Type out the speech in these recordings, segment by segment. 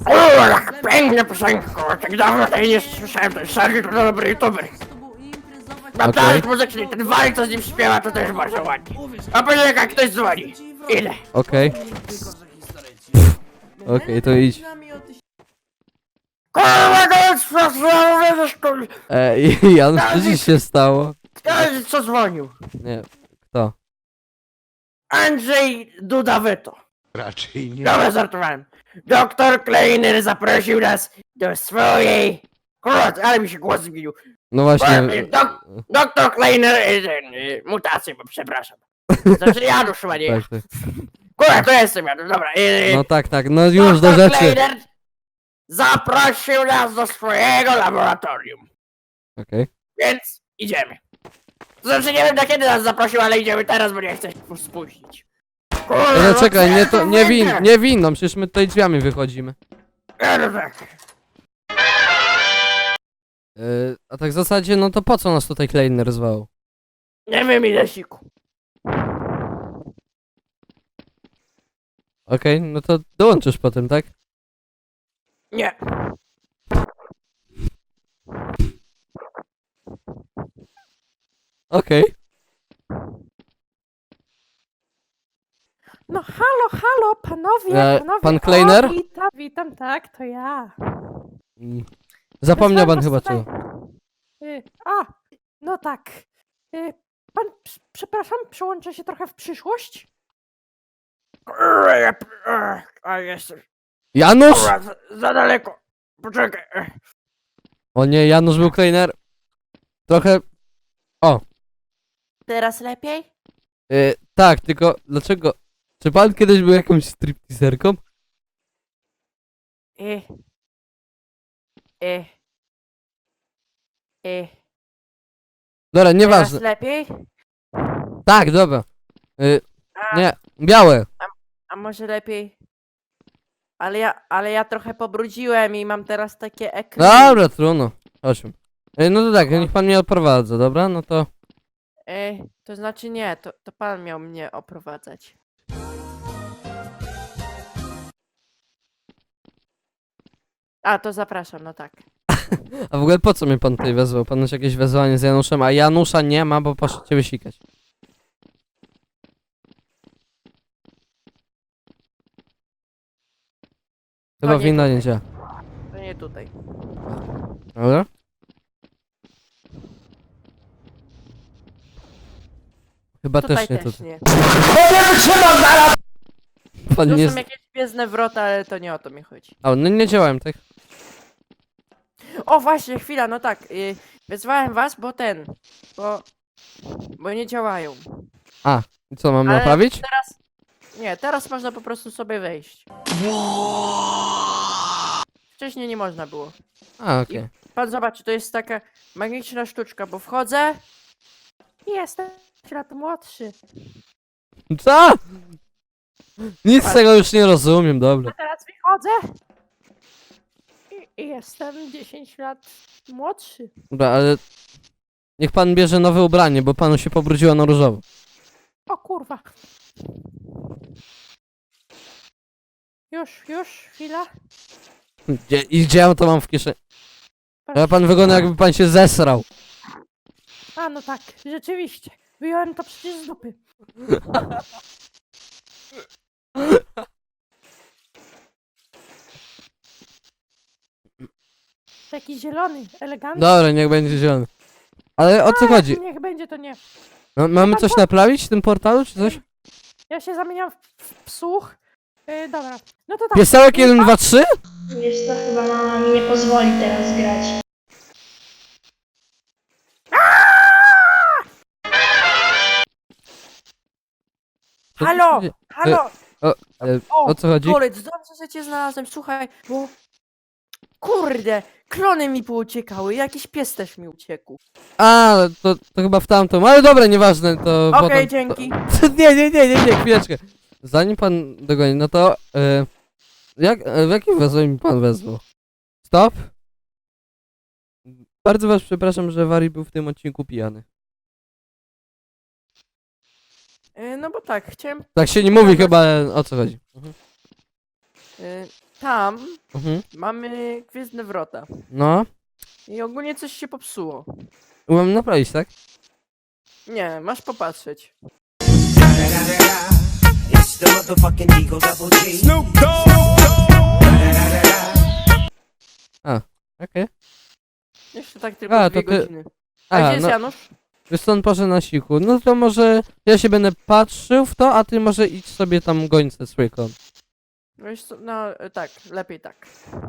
Kurwa, piękne piosenki, kurwa, tak dawno tej nie słyszałem, to jest Sergi, to dobry youtuber. Mam talent muzyczny, ten Wali, co z nim śpiewa, to też bardzo ładnie. A później jak ktoś dzwoni. Ile? Okej. Okej, to idź. Kurwa, to jest kurwa. Janusz, co ci się stało? Co dzwonił? Nie, kto? Andrzej Duda-Weto. Raczej nie. Dobra, żartowałem. Doktor Kleiner zaprosił nas do swojej... Kurwa, ale mi się głos zmienił. No właśnie. Doktor Kleiner, mutację, bo przepraszam. Znaczy Janusz chyba nie. Tak, tak. Kurwa, to jestem Janusz, dobra. No tak, no już do Doktor rzeczy. Kleiner zaprosił nas do swojego laboratorium, Okej. więc idziemy. To znaczy nie wiem na kiedy nas zaprosił, ale idziemy teraz, bo nie chcę się spóźnić. Kurwa, No czekaj, nie, to, nie, win, nie winną, przecież my tutaj drzwiami wychodzimy. No tak. A tak w zasadzie, no to po co nas tutaj Kleiner zwał? Nie wiem ile siku. Okej, no to dołączysz potem, tak? Nie. Okej. No halo, panowie, panowie. pan Kleiner? O, witam, tak, to ja. Zapomniał pan Wysłałem chyba was czego. tutaj. No tak. Pan, przepraszam, przełączę się trochę w przyszłość? Kurwa, a jestem. Janusz! Kurwa, za daleko. Poczekaj. O nie, Janusz był Kleiner. Trochę... Teraz lepiej? Tak, tylko dlaczego... Czy pan kiedyś był jakąś stripteaserką? Y. Y. Y. Dobra, Teraz nieważne. lepiej? Tak, dobra. A, Nie, białe. a może lepiej? Ale ja trochę pobrudziłem i mam teraz takie ekry. Dobra, trudno. Chodźmy. No to tak, niech pan mnie odprowadza, dobra? No to... To znaczy nie, to pan miał mnie oprowadzać. A, to zapraszam, no tak. A w ogóle po co mnie pan tutaj wezwał? Pan już jakieś wezwanie z Januszem, a Janusza nie ma, bo poszedł cię wysikać. Chyba nie winda nie tutaj. działa. To nie tutaj. Dobra? Chyba Tutaj też nie też tutaj. nie. Pan Tu nie... są jakieś gwiezdne wrota, ale to nie o to mi chodzi. A, no nie działałem, tak? O właśnie, chwila, no tak. Wezwałem was, bo nie działają. I co, mam Ale naprawić? teraz... Nie, teraz można po prostu sobie wejść. Wcześniej nie można było. A, okej. Pan zobaczy, to jest taka magiczna sztuczka, bo wchodzę i jestem lat młodszy. Co? Nic z tego już nie rozumiem, dobra. A teraz wychodzę i jestem 10 lat młodszy. Dobra, ale... Niech pan bierze nowe ubranie, bo panu się pobrudziło na różowo. O kurwa. Już, chwila. Gdzie ja to mam w kieszeni? Ale pan wygląda jakby pan się zesrał. A no tak, rzeczywiście. Wyjąłem to przecież z dupy. Taki zielony, elegancki. Dobra, niech będzie zielony. Ale o co chodzi? Niech będzie to nie. No, mamy coś naprawić w tym portalu, czy coś? Ja się zamieniam w słuch. Dobra, no to tak. Piesełek 1, 2, 3? Wiesz co, chyba mama mi nie pozwoli teraz grać. Halo, halo. O co chodzi? Kolec, dobrze, że cię znalazłem. Słuchaj, bo... Kurde, klony mi pouciekały, jakiś pies też mi uciekł. A, to chyba w tamtą, ale dobra, nieważne, to Okej, potem... dzięki. Nie, chwileczkę. Zanim pan dogoni, no to... w jakim wezwanie mi pan wezwał? Stop? Bardzo was przepraszam, że Wari był w tym odcinku pijany. No bo tak, chciałem... Tak się nie mówi chyba, o co chodzi. y, tam Mhm. mamy gwiezdne wrota. No. I ogólnie coś się popsuło. Mam naprawić, tak? Nie, masz popatrzeć. It's the motherfucking Eagle Double G. Okej. Jeszcze tak tylko A, 2 to ty- godziny. A A, gdzie jest no, Janusz? wiesz co, on poszedł na siku. No to może ja się będę patrzył w to, a ty może idź sobie tam gońce z Trójką. Wiesz co, no tak, lepiej tak.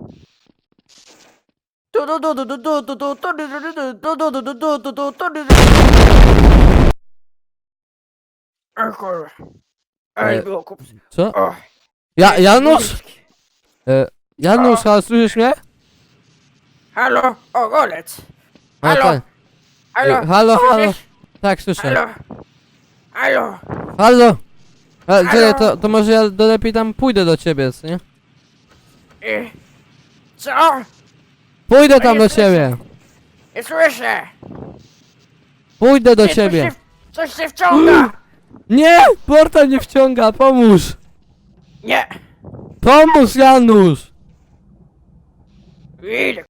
Du, du, du, du, du, du, du, du, du, du, du, du, du, du, du, du, du, du, du, du. O kurwa. Ej, E, było kupcy. Co? O. Janusz! Janusz, a słyszysz mnie? Halo, ogolec. A, Halo? tak. Halo, Halo, halo. słyszysz? Tak, słyszę. Halo. Halo. Halo! Czekaj, Halo? to może ja lepiej tam pójdę do ciebie, co nie? Co? Pójdę tam nie do słyszę. ciebie! Nie słyszę. Pójdę do Nie, ciebie! Coś się wciąga. Nie! Portal nie wciąga, pomóż! Nie. Pomóż, Janusz! Idę.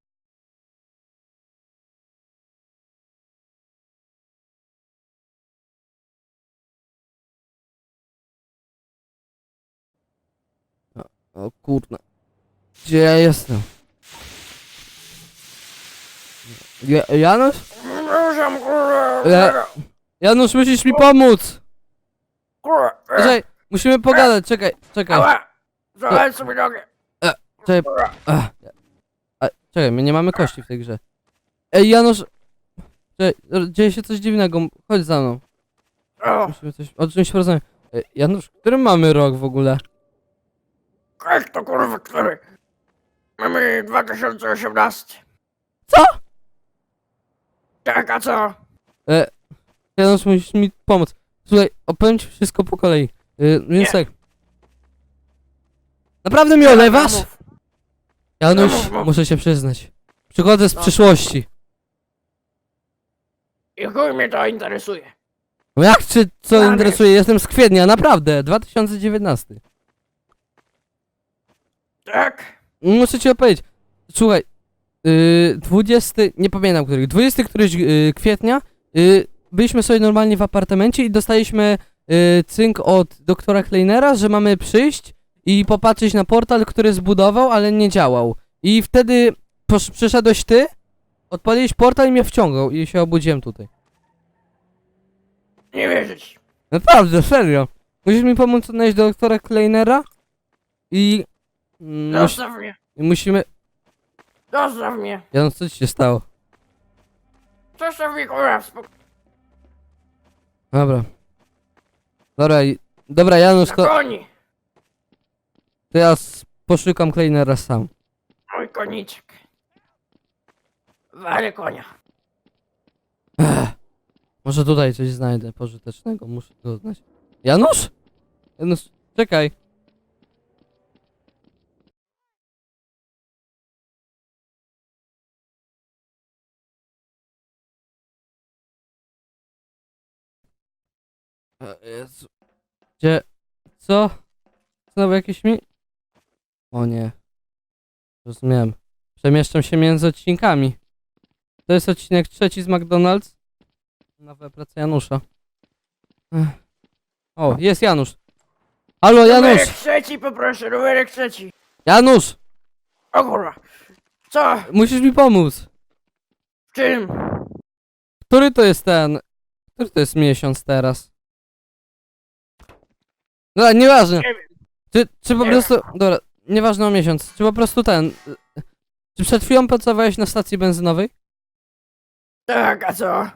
O kurna. Gdzie ja jestem? Janusz? Ruszam, kurwa. Janusz, musisz mi pomóc! Kurwa. Czekaj, musimy pogadać, czekaj. Ała. Złamałem sobie nogę. Czekaj, Kurwa. czekaj, my nie mamy kości w tej grze. Ej, Janusz! Czekaj, dzieje się coś dziwnego, chodź za mną. O, Musimy o czymś porozmawiać. Ej, Janusz, który mamy rok w ogóle? jak to kurwa, który? Mamy 2018. Co? Tak, a co? Janusz, musisz mi pomóc. Słuchaj, opowiem ci wszystko po kolei. Więc Nie. tak. Naprawdę mnie olewasz? Mów. Janusz, Mów. muszę się przyznać. Przychodzę z No. przyszłości. I chuj mnie to interesuje. No jak czy co Janusz. interesuje? Jestem z kwietnia, naprawdę, 2019. Tak? Muszę ci opowiedzieć. Słuchaj, 20, nie pamiętam których, 20 któryś kwietnia byliśmy sobie normalnie w apartamencie i dostaliśmy cynk od doktora Kleinera, że mamy przyjść i popatrzeć na portal, który zbudował, ale nie działał. I wtedy przyszedłeś ty, odpaliłeś portal i mnie wciągał i się obudziłem tutaj. Nie wierzyć. Naprawdę, serio. Musisz mi pomóc odnaleźć doktora Kleinera i... Zostaw mnie. musimy... Zostaw mnie. Janusz, co ci się stało? Zostaw mnie, kurwa, w spokoju. Dobra. Dobra, Janusz, Na to koni. ja poszukam Kleinera sam. Mój koniczek. Walę konia. Może tutaj coś znajdę pożytecznego, muszę to znać. Janusz? Janusz, czekaj. Jezu. Gdzie? Co? Znowu jakieś mi... O nie. Rozumiem. Przemieszczam się między odcinkami. To jest odcinek 3 z McDonald's. Nowe prace Janusza. Ech. O, jest Janusz. Halo, Numerek Janusz! trzeci, poproszę, numerek trzeci. Janusz! O kurwa. Co? Musisz mi pomóc. W czym? Który to jest ten... Który to jest miesiąc teraz? Dobra, nieważne. Nie wiem. Czy po Nie prostu... Dobra, nieważne o miesiąc. Czy po prostu ten... Czy przed chwilą pracowałeś na stacji benzynowej? Tak, a co?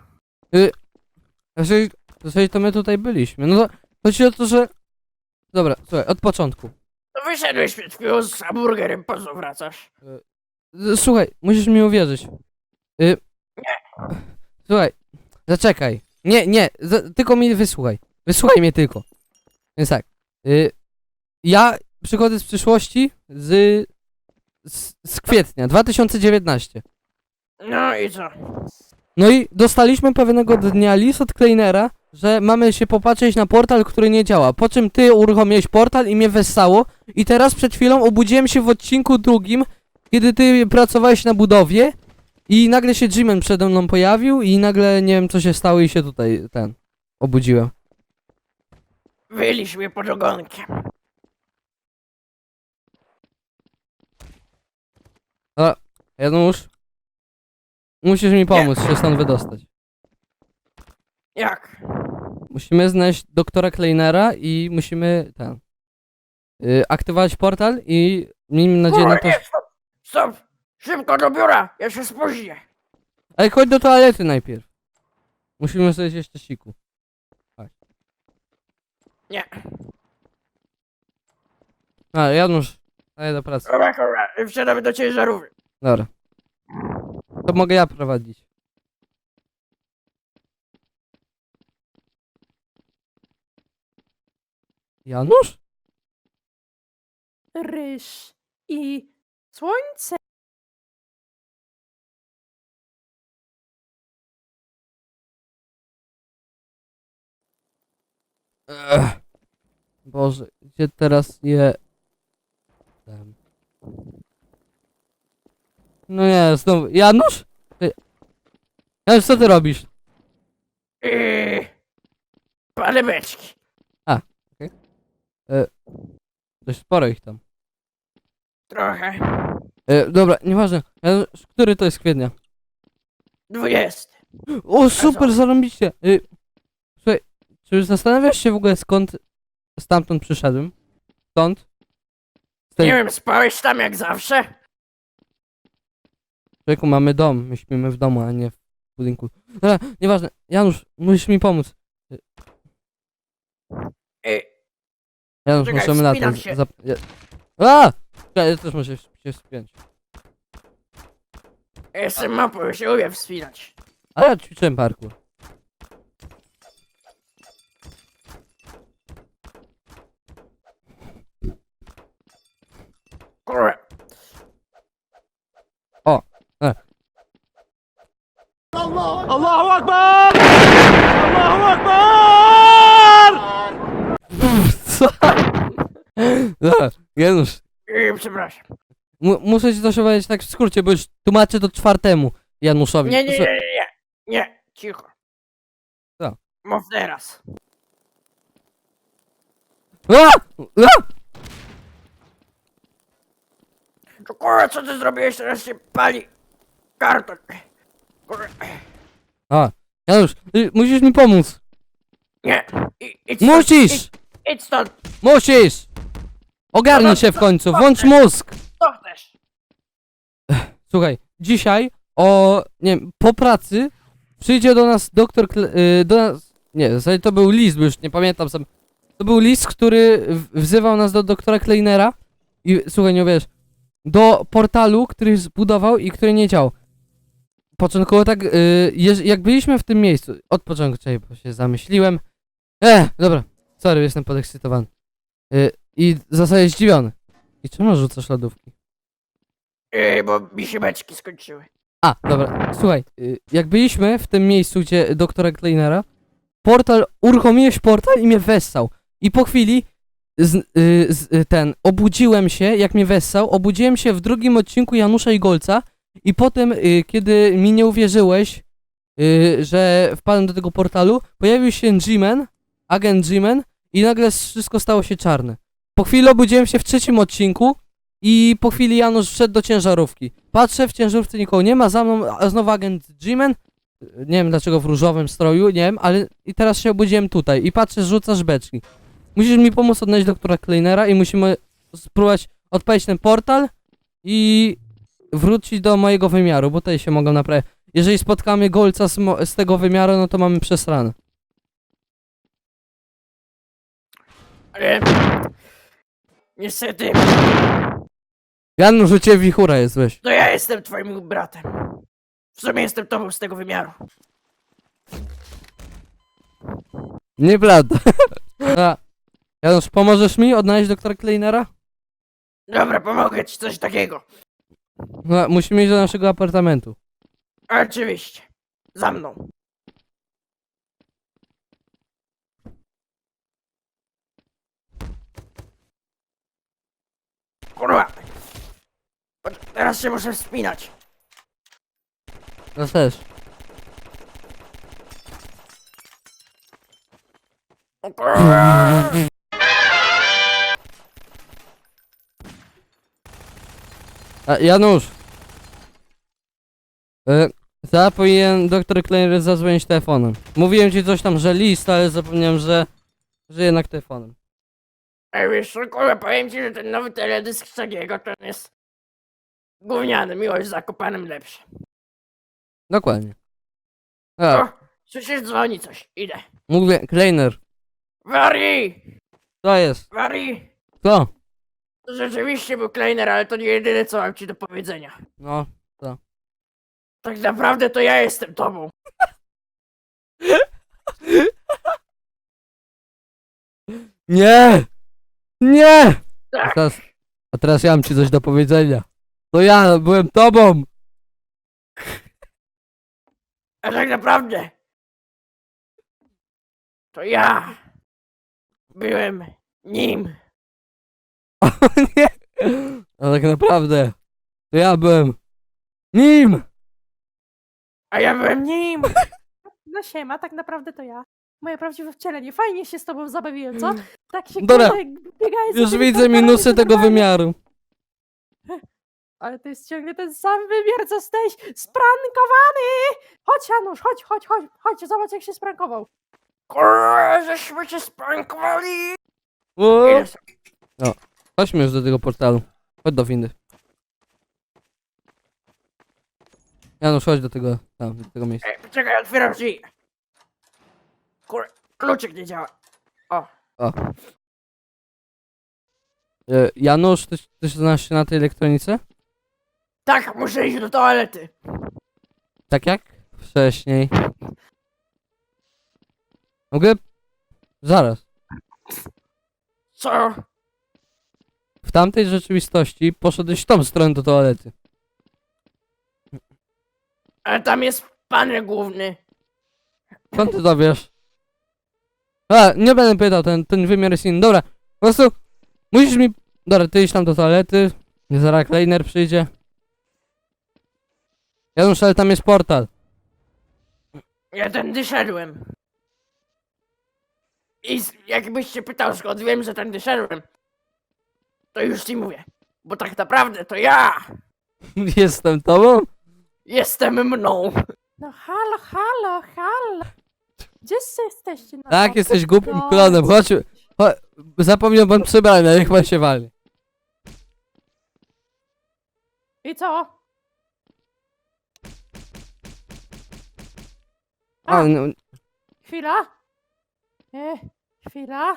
Jeżeli to my tutaj byliśmy, no to chodzi o to, że... Dobra, słuchaj, od początku. To wyszedłeś przed chwilą z hamburgerem, po co wracasz? Słuchaj, musisz mi uwierzyć. Słuchaj, zaczekaj. Nie, tylko mi wysłuchaj. Wysłuchaj mnie tylko. Więc tak. Ja przychodzę z przyszłości z kwietnia 2019. No i co? No i dostaliśmy pewnego dnia list od Kleinera, że mamy się popatrzeć na portal, który nie działa. Po czym ty uruchomiłeś portal i mnie wessało. I teraz przed chwilą obudziłem się w odcinku drugim, kiedy ty pracowałeś na budowie. I nagle się Jimen przede mną pojawił i nagle nie wiem co się stało i się tutaj obudziłem. Wyliś mnie pod ogonkiem. Janusz, musisz mi pomóc się stąd wydostać. Jak? Musimy znaleźć doktora Kleinera i musimy aktywować portal i miejmy nadzieję na to, Nie, stop! Stop! Szybko do biura! Ja się spóźnię! ale chodź do toalety najpierw. Musimy sobie jeszcze siku. Nie. A, Janusz, daję do pracy. Dobra, wsiadamy do ciężarówki. Dobra. To mogę ja prowadzić. Janusz? Ryż i słońce. Boże, gdzie teraz je... No nie, znowu... Janusz? Janusz, co ty robisz? Palę beczki. Dość sporo ich tam. Trochę. Dobra, nieważne. Janusz, który to jest kwietnia? 20. O, super, zarąbiście. Słuchaj, czy zastanawiasz się w ogóle skąd stamtąd przyszedłem? Stąd? Z tej... Nie wiem, spałeś tam jak zawsze? Człowieku, mamy dom, my śpimy w domu, a nie w budynku. Dobra, nieważne. Janusz, musisz mi pomóc. Janusz, Czekaj, możemy wspinam latać. się. A! Czekaj, ja też muszę się wspiąć. Jestem mapą, ja się umiem wspinać. Ale ja ćwiczyłem parkour. Kurwa. Co? Dobra, Janusz, Przepraszam. muszę ci coś powiedzieć tak w skrócie, bo już tłumaczę to czwartemu Januszowi. Nie, nie, nie, Słuchaj, nie, nie. Nie, cicho. Co? Mów teraz. A! A! To kurwa, co ty zrobiłeś? Teraz się pali karton. Kurwa. A, Janusz, musisz mi pomóc. Nie. Idź stąd, Musisz! idź stąd. Musisz! Ogarnij się w końcu, włącz mózg! Co chcesz? Słuchaj, dzisiaj nie wiem, po pracy przyjdzie do nas doktor, do nas, nie, w zasadzie to był list, bo już nie pamiętam sam. To był list, który wzywał nas do doktora Kleinera i słuchaj, nie wiesz, do portalu, który zbudował i który nie działał. Początkowo tak, jak byliśmy w tym miejscu, od początku, czekaj, bo się zamyśliłem. Dobra, sorry, jestem podekscytowany. I w zasadzie zdziwiony. I czemu rzucasz lodówki? Bo mi się beczki skończyły. A, dobra, słuchaj, jak byliśmy w tym miejscu, gdzie doktora Kleinera, uruchomiłeś portal i mnie wessał. I po chwili obudziłem się, jak mnie wessał, obudziłem się w drugim odcinku Janusza i Golca i potem, kiedy mi nie uwierzyłeś, że wpadłem do tego portalu, pojawił się G-Man, agent G-Man i nagle wszystko stało się czarne. Po chwili obudziłem się w trzecim odcinku i po chwili Janusz wszedł do ciężarówki. Patrzę, w ciężarówce nikogo nie ma, za mną znowu agent G-Man. Nie wiem dlaczego w różowym stroju, nie wiem, ale i teraz się obudziłem tutaj i patrzę, rzucasz beczki. Musisz mi pomóc odnaleźć doktora Kleinera i musimy spróbować odpalić ten portal i wrócić do mojego wymiaru, bo tutaj się mogą naprawić. Jeżeli spotkamy Golca z tego wymiaru, no to mamy przesrane. Ale... Niestety, Janusz, u ciebie wichura jest, weź. to ja jestem twoim bratem. W sumie jestem tobą z tego wymiaru. Nieprawda. A, Janusz, pomożesz mi odnaleźć doktora Kleinera? Dobra, pomogę ci coś takiego. No, musimy iść do naszego apartamentu. Oczywiście. Za mną. Kurwa! Teraz się muszę wspinać. Ja też. O kurwa! A, Janusz! Ja powinien doktor Kleiner zadzwonić telefonem. Mówiłem ci coś tam, że list, ale zapomniałem, że jednak telefonem. Ej, wiesz co, kurwa, powiem ci, że ten nowy teledysk Szagiego to on jest gówniany, miłość z Zakopanem lepszy. Dokładnie. O, A, słyszysz, dzwoni coś, idę. mówię, Kleiner, Wari! to jest. Wari! Co? To rzeczywiście był Kleiner, ale to nie jedyne, co mam ci do powiedzenia. No. Tak naprawdę to ja jestem tobą. Nie! Nie! A Tak, teraz ja mam ci coś do powiedzenia. To ja byłem tobą! a tak naprawdę to ja byłem nim. O nie! A tak naprawdę to ja byłem nim! A ja byłem nim. No siema, tak naprawdę to ja. Moje prawdziwe wcielenie. Fajnie się z tobą zabawiłem, co? Tak się Dobra. kurde, biegałeś Już sobie widzę portalami, minusy to tego normalnie. wymiaru. Ale to jest ciągle ten sam wymiar, co jesteś sprankowany! Chodź Janusz, chodź, zobacz jak się sprankował. Kurwa, żeśmy cię sprankowali. O! Idę sobie. Chodźmy już do tego portalu. Chodź do windy. Janusz, chodź do tego, tam, do tego miejsca. Ej, poczekaj, otwieram drzwi. Kluczyk nie działa. O, O. Janusz, ty znasz się na tej elektronice? tak, muszę iść do toalety. Tak jak wcześniej. Mogę? Zaraz. Co? W tamtej rzeczywistości poszedłeś w tą stronę do toalety. Ale tam jest panel główny. Skąd ty to wiesz? A, nie będę pytał, ten wymiar jest inny. Dobra, po prostu musisz mi... Dobra, ty idź tam do toalety. Zaraz Kleiner przyjdzie. Janusz, ale tam jest portal. Ja tędy szedłem. I jakbyś się pytał, skąd wiem, że tędy szedłem, to już ci mówię. Bo tak naprawdę to ja Jestem tobą? jestem mną. No halo. Gdzie jesteście? No, Tak, jesteś głupim no, klonem. Chodź, zapomniał pan przebrania, niech pan się wali. I co? A, no, Chwila. Chwila.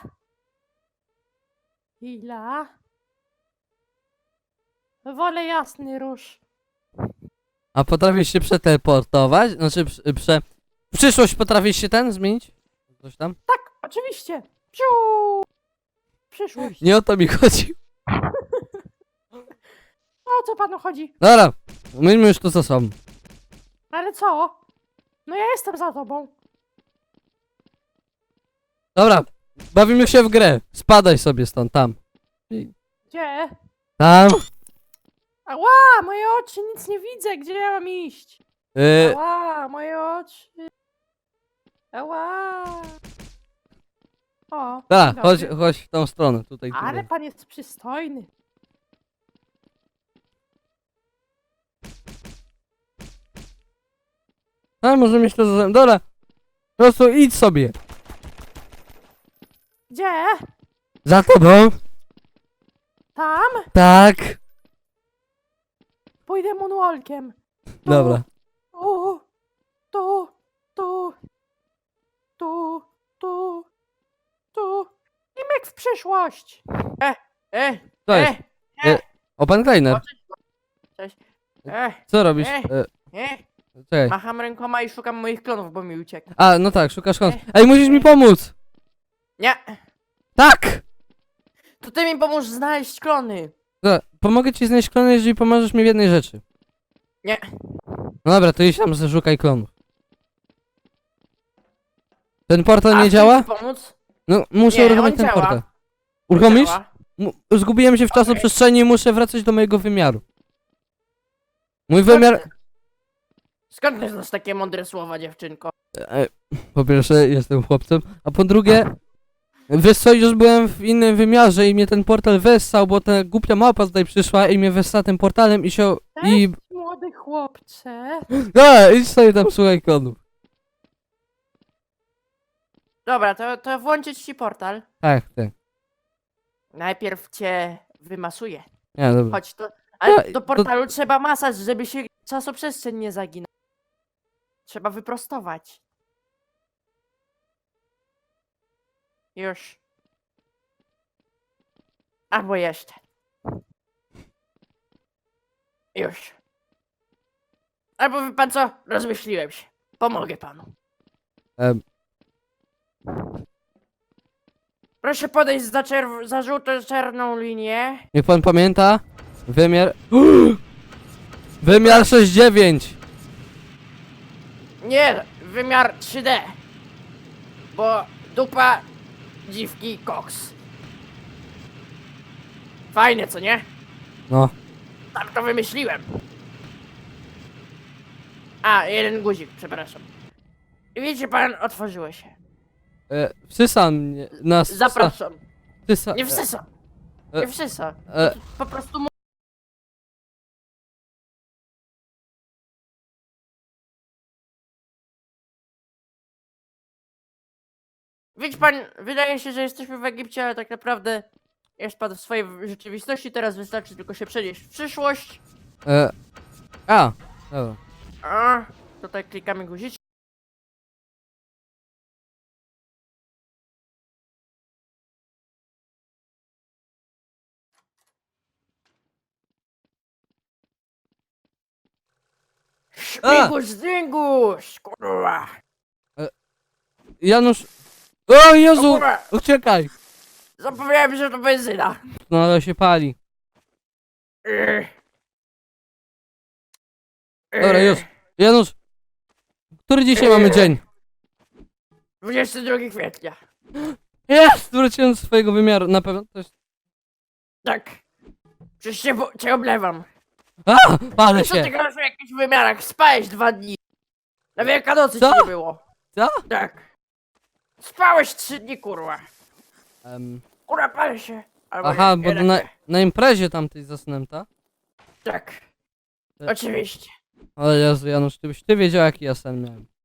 Wolę jasny róż. a potrafisz się przeteleportować? Znaczy, w przyszłość potrafisz się zmienić? Coś tam? Tak, oczywiście. Piu! Przyszłość. Nie o to mi chodzi. O co panu chodzi? Dobra, myśmy już tu za sobą. Ale co? No ja jestem za tobą. Dobra, bawimy się w grę. Spadaj sobie stąd, tam. Gdzie? Tam. Ała, moje oczy, nic nie widzę. Gdzie ja mam iść? Ała, moje oczy. Ała. O, Dobra, dzień chodź, dobry. chodź w tą stronę, tutaj. Ale pan jest przystojny. A, może mieć to za... Dobra, po prostu idź sobie. Gdzie? Za tobą. Tam? Tak. Pójdę moonwalkiem. Tu, Dobra. Tu, tu. I myk w przyszłość. To jest. O, pan Kleiner. Cześć. Co robisz? Czekaj. Macham rękoma i szukam moich klonów, bo mi uciekł. A, no tak, szukasz kąt. Ej, musisz mi pomóc. Nie, Tak. to ty mi pomóż znaleźć klony. Dobra, pomogę ci znaleźć klony, jeżeli pomożesz mi w jednej rzeczy. Nie. No dobra, to idź tam, szukaj klonów. Ten portal A nie chcesz działa? mi pomóc? No, muszę Nie, uruchomić on ten działa. portal. Uruchomisz? Działa. Zgubiłem się w czasoprzestrzeni i muszę wracać do mojego wymiaru. Mój wymiar... Skąd ty znasz takie mądre słowa, dziewczynko? Po pierwsze, jestem chłopcem, a po drugie... Wiesz co, już byłem w innym wymiarze i mnie ten portal wessał, bo ta głupia małpa tutaj przyszła i mnie wessa tym portalem i się... i... Młody chłopcze. Idź sobie tam, słuchaj kodów. Dobra, to włączyć ci portal. Tak. Najpierw cię wymasuję. Nie, dobra. Chodź, ale Ja- do portalu trzeba masaż, żeby się czasoprzestrzeń nie zaginał. Trzeba wyprostować. Już. Albo jeszcze. Już. Albo wie pan co? Rozmyśliłem się. Pomogę panu. Em, Proszę podejść za żółto-czarną linię. Niech pan pamięta, wymiar... Wymiar 6,9! Nie, wymiar 3D. Bo dupa, dziwki, koks. Fajne, co nie? No. Tak to wymyśliłem. A, jeden guzik, przepraszam. I wiecie pan, otworzyło się. Wsysa mnie... Nas... Zapraszam. Wsysa... Nie wsysa. Nie wsysa. Po prostu Widzi pan, wydaje się, że jesteśmy w Egipcie, ale tak naprawdę jest pan w swojej rzeczywistości, teraz wystarczy tylko się przenieść w przyszłość. Dobra. A, tutaj klikamy guziczek. Śmigus, dyngus, kurwa. Janusz... O Jezu! Kurwa, Uciekaj! zapomniałem, że to benzyna. No ale się pali. Ech. Dobra, już. Janusz! Który dzisiaj mamy dzień? 22 kwietnia. Jest! Wróciłem do swojego wymiaru, na pewno to jest... Tak. Przecież cię oblewam. Palę Co ty się! grasz w jakichś wymiarach? Spałeś 2 dni. Na Wielkanocy Co? ci nie było. Co? Tak. Spałeś 3 dni, kurwa. Kurwa, palę się. Albo Aha, nie, bo jednak nie. na imprezie tamtej zasnęta. Tak. Tak. Oczywiście. Ale Jezu, Janusz, ty wiedział jaki ja sen miałem.